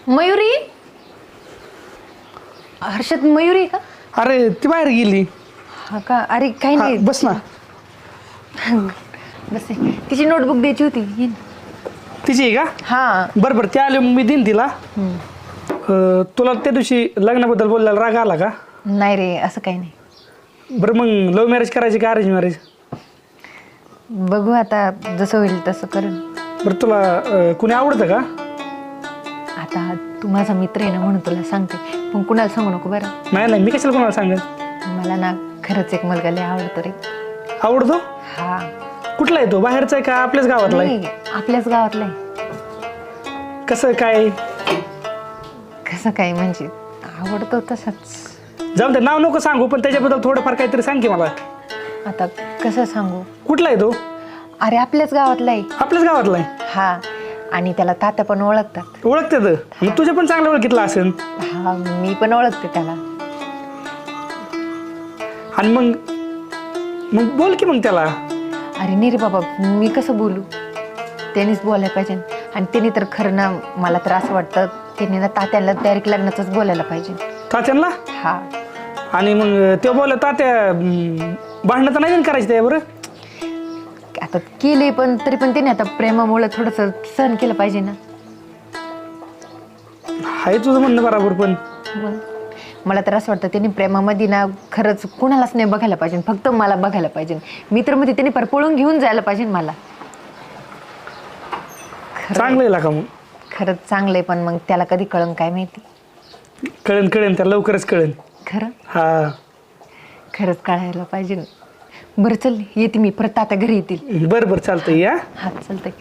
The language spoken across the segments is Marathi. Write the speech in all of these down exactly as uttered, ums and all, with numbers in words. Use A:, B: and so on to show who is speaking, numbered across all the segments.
A: मयुरी हर्षद मयुरी का?
B: अरे ती बाहेर गेली.
A: हा का? अरे काही
B: हा,
A: नाही
B: बस ना.
A: बस तिची नोटबुक द्यायची होती. ये ना.
B: तिची आहे का?
A: हा
B: बरं बरं, त्या आले मग मी देईन तिला. अं, तुला त्या दिवशी लग्नाबद्दल बोलायला राग आला का?
A: नाही रे, असं काही नाही.
B: बरं मग लव्ह मॅरेज करायची का अरेंज मॅरेज?
A: बघू आता, जसं होईल तसं करेन.
B: बरं तुला अं, कुणी आवडतं का?
A: आता तू माझा मित्र आहे ना म्हणून तुला सांगते, पण कुणाला सांगू नको बरं.
B: नाही नाही, मी कशाला कोणाला सांगेन.
A: मला ना खरंच एक मुलगा लय आवडतो रे.
B: आवडतो?
A: हा.
B: कुठला आहे तो? बाहेरचा आहे का आपल्याच गावातला आहे?
A: नाही, आपल्याच गावातला आहे.
B: कसं काय?
A: कसं काय म्हणजे आवडतो तसंच.
B: जाऊन ते नाव नको सांगू, पण त्याच्याबद्दल थोडंफार काहीतरी सांग की मला.
A: आता कसं सांगू?
B: कुठला आहे तो?
A: अरे आपल्याच गावातला आहे.
B: आपल्याच गावातला आहे?
A: हा, आणि त्याला तात्या पण ओळखतात.
B: ओळखते तर मग तुझ्या पण चांगलं ओळखीतलं असेल.
A: हा, मी पण ओळखते त्याला.
B: आणि मग मग बोल की मग त्याला.
A: अरे नाही रे बाबा, मी कसं बोलू? त्यांनीच बोलायला पाहिजे. आणि त्यांनी तर खरं ना, मला तर असं वाटतं त्यांनी ना तात्याला डायरेक्ट लग्नाचंच बोलायला पाहिजे.
B: तात्यांना?
A: हा.
B: आणि मग ते बोल तात्या भांडणं तर नाही करायचं त्या बरं.
A: आता केले, पण तरी पण त्याने आता प्रेमामुळे थोडंसं सहन केलं पाहिजे ना.
B: आहे तुझं म्हणणं बरोबर, पण
A: मग मला तर असं वाटतं त्यांनी प्रेमामध्ये ना खरंच कुणालाच नाही बघायला पाहिजे, फक्त मला बघायला पाहिजे. मी तर मध्ये त्यांनी पर पळून घेऊन जायला पाहिजे मला.
B: चांगलं आहे का मग?
A: खरंच चांगलं आहे, पण मग त्याला कधी कळन काय माहिती.
B: कळेन कळेन त्याला, लवकरच कळेन.
A: खरं?
B: हा,
A: खरंच कळायला पाहिजे ना. बरं चल, येते मी परत, आता घरी येतील.
B: बरं बरं चालतंय या.
A: हा चालतंय.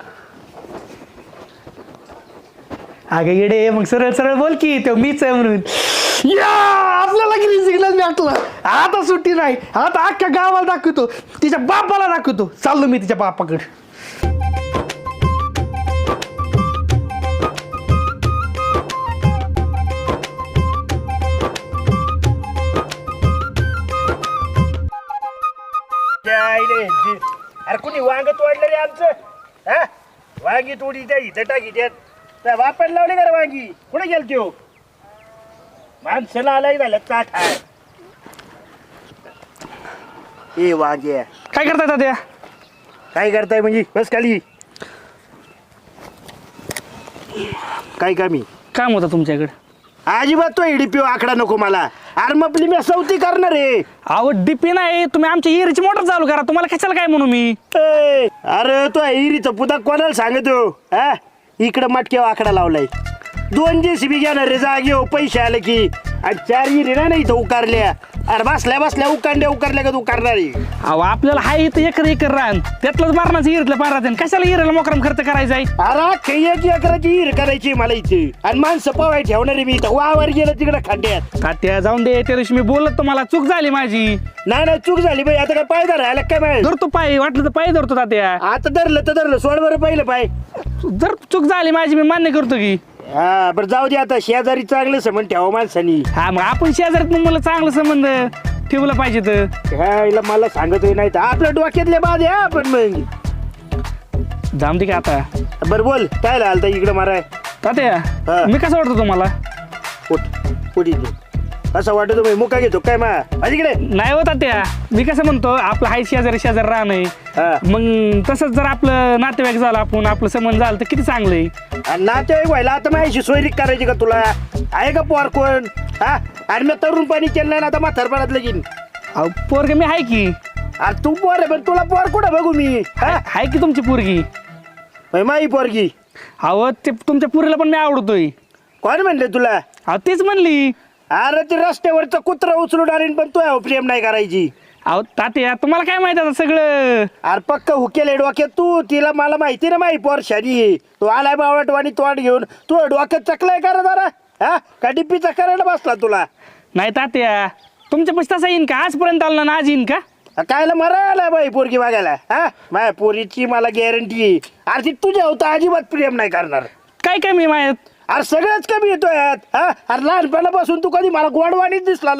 B: अगं येडे, मग सरळ सरळ बोल की तो मीच आहे म्हणून. या आपल्याला ग्रीन सिग्नल भेटला. आता सुट्टी नाही, आता अख्ख्या गावाला दाखवतो, तिच्या बापाला दाखवतो. चाललो मी तिच्या बापाकडे.
C: अरे कुणी वांग तोडलं रे आमचं? हा, वांगी तोडी त्या इथं टाकी त्यात त्या वापरायला लावले का रे वांगी? कुठे गेल त्यो? माणसाला आलाय झालं चाट आहे. ए वांगे
B: काय करताय तात्या?
C: काय करताय म्हणजे? बस खाली. काय कामी
B: काम होतं तुमच्याकडे?
C: अजिबात तो इडीपीओ आकडा नको मला. अरे मग आपली मी सवती करणार आहे.
B: अहो डीपी नाही, तुम्ही आमच्या इरीची मोटर चालू करा. तुम्हाला कशाला काय म्हणू मी?
C: ए, अरे तो इरीचा पुदा कोणाला सांगतो? हा, इकडं मटक्यावर आकडा लावलाय. दोन जे सी बी घेणार रे जागे हो, पैसे आले की. आणि चार इरी ना इथं उकारल्या. अरे बसल्या बसल्या उकारल्या उकारल्या का तू करणारी?
B: अहो आपल्याला हाय इथं एकर एकर रान, त्यातलंच मारणाचं इरीतलं पारात. कशाला इरीला मोकरम खर्च करायचा आहे?
C: अरे काही एक एकराची इर करायची मला इथे. आणि माणसं पवाय ठेवणारी मी इथं. वावर गेलं तिकडे खड्ड्यात.
B: तात्या जाऊन दे, त्या दिवशी मी बोलत तुम्हाला चूक झाली माझी.
C: नाही नाही चूक झाली बाई. आता काय पायदा राहिला काय माहिती?
B: धरतो पाय, वाटलं तर पाय धरतो तात्या.
C: आता धरलं तर धरलं, सोड बरं पहिलं पाय.
B: जर चूक झाली माझी, मी मान्य करतो की.
C: हा बरं जाऊ दे, आता शेजारी चांगलं समन ठेवा माणसानी.
B: हा मग आपण शेजारात मग मला चांगलं संबंध ठेवलं पाहिजे तर.
C: ह्याला मला सांगतोय नाही तर आपल्या डोक्यातले बाद आहे आपण. मग
B: जाम दे का आता.
C: बरं बोल, काय आलता इकडं माराय?
B: तात्या
C: हा.
B: मी कसं वाटतो तुम्हाला?
C: उठ उठी तू. असं वाटत मी मुका घेतो काय मा इकडे?
B: नाही हो तात्या, मी कसं म्हणतो, आपलं हाय शेजारी शेजारी राहणं
C: हा.
B: आहे. मग तसंच जर आपलं नातेवाईक झालं, आपण आपलं संबंध झालं तर किती चांगलं आहे.
C: आणि नातेवाईक व्हायला आता माझी सोयरीक करायची का तुला? आहे का पोर कोण? हा, आणि मी तरुण पाणी केलं नाही ना आता म्हातारपणात लगीन.
B: अहो पोरग मी आहे की.
C: अरे तू पोर आहे पण तुला पोर कुठं बघू मी? हा,
B: आहे की तुमची पोरगी.
C: होय, माई पोरगी.
B: अहो ते तुमच्या पुरीला पण मी आवडतोय.
C: कोण म्हणले तुला?
B: अहो तीच म्हणली.
C: अरे ते रस्त्यावरचं कुत्र उचलून आणीन पण तू प्रेम नाही करायची.
B: अहो तात्या तुम्हाला काय माहिती आता सगळं.
C: अरे पक्क हुकेल डोक्यात तू. तिला मला माहिती ना माही पोर शादी. तू आलाय बावटवाणी तोंड घेऊन. तू डोक्यात चकलाय का रे जरा? हा, का डिप्पीचा करायला बसला तुला?
B: नाही तात्या, तुमच्या पैसे तसा येईन का? आजपर्यंत आला ना, आज येईन का?
C: कायला मरायला बाई पोरगी बघायला? हा, माझ्या पोरीची मला गॅरंटी. अरे ती तुझ्या होता अजिबात प्रेम नाही करणार.
B: काय कमी माहित?
C: अरे सगळंच कमी येतोय यात. हा, अरे लहानपणापासून तू कधी मला गोडवाणीच दिसला नाही.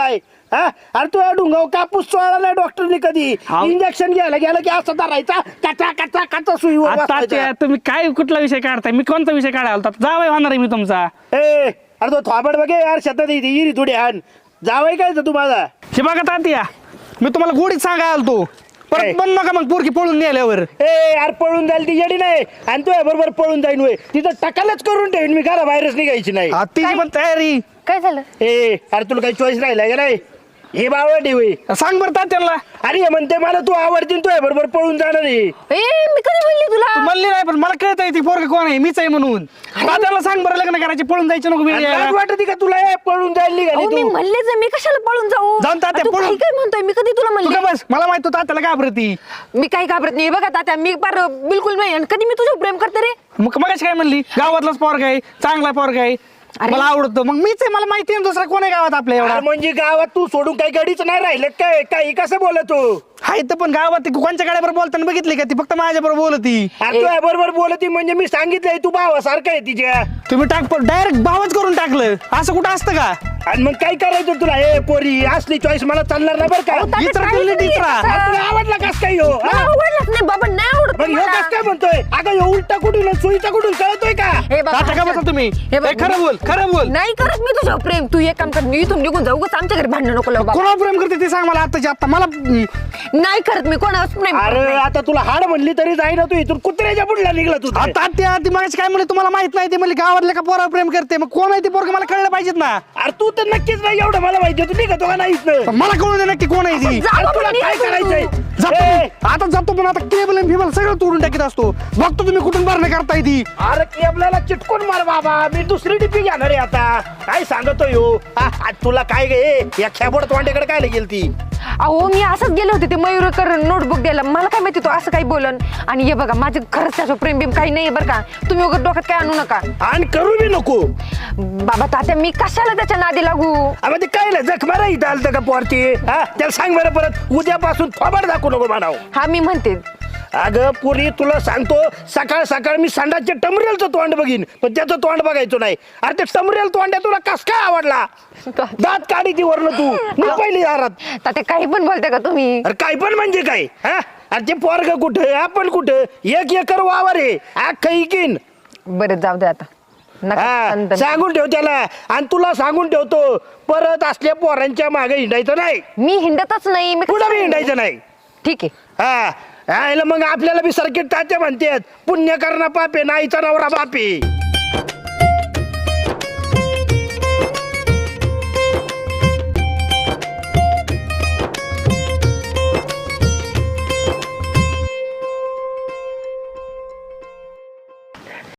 C: हा अरे तू डुंगाव कापूस चोळला नाही डॉक्टरने कधी
B: हाव.
C: इंजेक्शन घ्यायला गेलं की असं धरायचा कचा कचा कचा सुईवर
B: आता
C: बसवायचा.
B: ते तुम्ही काय कुठला विषय काढताय मी कोणता विषय काढायला होता जावई होणार आहे मी तुमचा
C: ए अरे तो थोबड बघे यार शेतात येते इरी थोडी आण जावय काय तू माझा
B: हे बघा तात्या मी तुम्हाला गोडीत सांगायला आलतो
C: काय?
B: परत बन नका मग पोरकी पळून गेल्यावर
C: ए यार पळून जाईल ती येडी नाही आणि तू बरोबर पळून जाईन वय तिथं टकालच करून ठेवीन मी घरा बाहेरच निघायची नाही
B: हा, तिची पण तयारी
A: काय झालं?
C: ए अरे तुला काही चॉईस राहिला का नाही हे बावळी होय
B: सांग बरं तात्याला
C: अरे हे म्हणते मला तू आवडतीन तू बरोबर पळून जाणार आहे
A: ए मी कधी म्हणली तुला?
B: तू म्हणली नाही पण मला कळत ती पोरग कोण आहे मीच आहे म्हणून तात्याला सांग बरं लग्न करायचे पळून जायचं नको
C: आणि लाज
B: मी
C: वाटते का तुला हे पळून जायला निघाली
A: अहो, मी
C: तू
A: म्हणलेच आहे, मी कशाला पळून जाऊ?
B: जाऊन तात्या,
A: तू
B: पळून.
A: काही काय म्हणतोय मी कधी तुला म्हणले?
B: बस मला माहित होतं तात्याला घाबरती
A: मी काही घाबरत नाही बघा तात्या मी फार बिलकुल नाही आणि कधी मी तुझ्यावर प्रेम करते रे.
B: मग मगाशी काय म्हणली गावातलाच पोरग आहे चांगला पोरग आहे
A: अरे.
B: मला आवडतो मग मीच आहे मला माहिती आहे ना दुसरा कोण आहे गावात आपल्या एवढा
C: अरे म्हणजे गावात तू सोडून काही गडीच नाही राहिलं काय काही कसं बोलत तू
B: हाय तर पण गावात ती कोणच्या गाड्यावर बोलताना बघितली का ती फक्त माझ्या बरोबर बोलती
C: अरे तू बरोबर बोलती म्हणजे मी सांगितलंय तू भावासारखं आहे तिच्या
B: तुम्ही टाक डायरेक्ट भावच करून टाकलं असं कुठं असतं का
C: आणि मग काय करायचं तुला हे पोरी असली चॉईस मला चालणार नाही बरं
A: अहो,
C: का
A: तात्या,
B: इतर
A: काही
B: बोलली
A: नाही
B: टिचरा.
A: असं.
C: अरे तुला आवडला कस काय हो
A: मला आवडलंच नाही बाबा नाही आवडत
C: मग ह्यो
A: मला.
C: कस काय म्हणतोय अगं ह्यो उलटा कुठून आणि सुईचा कुठून कळतोय का
A: हे बघ,
B: तात्या का बसा तुम्ही
A: हे बघ,
B: ए, खरं बोल खरं बोल
A: नाही करत मी तुझ्यावर प्रेम तू एक काम कर मी इथून निघून जाऊ उगाच आमच्या घरी भांडण नको लावू बाबा.
B: कोणावर प्रेम करते ते सांग मला आत्ताच्या आत्ता मला हम्म,
A: नाही करत मी कोणावर प्रेम करत
C: अरे
A: नाही.
C: आता तुला हाड म्हणली तरी जाई ना तू इथून कुत्र्याच्या पुढला निघला तू
B: आ, तात्या ती मगाशी काय म्हणले तुम्हाला माहित नाही ते म्हणले गावातल्या का पोरावर प्रेम करते मग कोण आहे ते पोरग मला कळलं पाहिजेत ना
C: अरे तू तर नक्कीच नाही एवढं मला माहिती तू निघतो का नाही इथनं?
B: पण मला कळू दे नक्की कोण आहे ती
A: जा
C: अरे
A: बाबा,
C: तुला
A: निघ
C: काय
A: तू.
C: करायचंय
B: जातो
C: ए,
B: मी. आता जातो पण आता केबल आणि फिबल सगळं तोडून टाकीत असतो बघतो तुम्ही कुठून भरणं करताय ती
C: अरे केबलाला चिटकून मार बाबा मी दुसरी डिपी घेणार आहे आता काय सांगतोय हो आ, आ, तुला काय गे या खेबोड तोंड्याकडे काय गेल ती
A: अहो मी असंच गेले होते ते मयूरकर नोटबुक द्यायला मला काय माहिती तो असं काही बोलन आणि हे बघा माझं खरंच त्याचं प्रेम बिम काही नाही बरं का तुम्ही वगैरे डोक्यात काय आणू नका
C: आणि करू बी नको
A: बाबा तात्या मी कशाला त्याच्या नादी लागू
C: अरे ते काय नाही जख मारा इथं आलं का पोरती हा त्याला सांग बरं परत उद्यापासून थोबाड दाखवू नको म्हणाव
A: हा मी म्हणते
C: अगं पुरी तुला सांगतो सकाळ सकाळ मी संडासच्या टमरेलचं तोंड बघीन पण त्याचं तोंड बघायचं नाही अरे ते टमरेल तोंड्या तुला कस काय आवडला दात काढी ती वरनं तू मी पहिली दारात
A: तात्या काही पण बोलते का तुम्ही
C: अरे काय पण म्हणजे काय हा अरे ते पोरग कुठं आपण कुठं एक एकर वावर आहे अख्खं इकीन
A: बरं जाऊ दे आता नका
C: हा
A: तंतन.
C: सांगून ठेव त्याला आणि तुला सांगून ठेवतो परत असल्या पोरांच्या मागे हिंडायचं नाही
A: मी हिंडतच नाही मी
C: पुढं बी हिंडायचं नाही
A: ठीक आहे
C: हा हा, याला मग आपल्याला बी सर्किट तात्या म्हणतात पुण्य करणं पापे नाहीचा नवरा बापे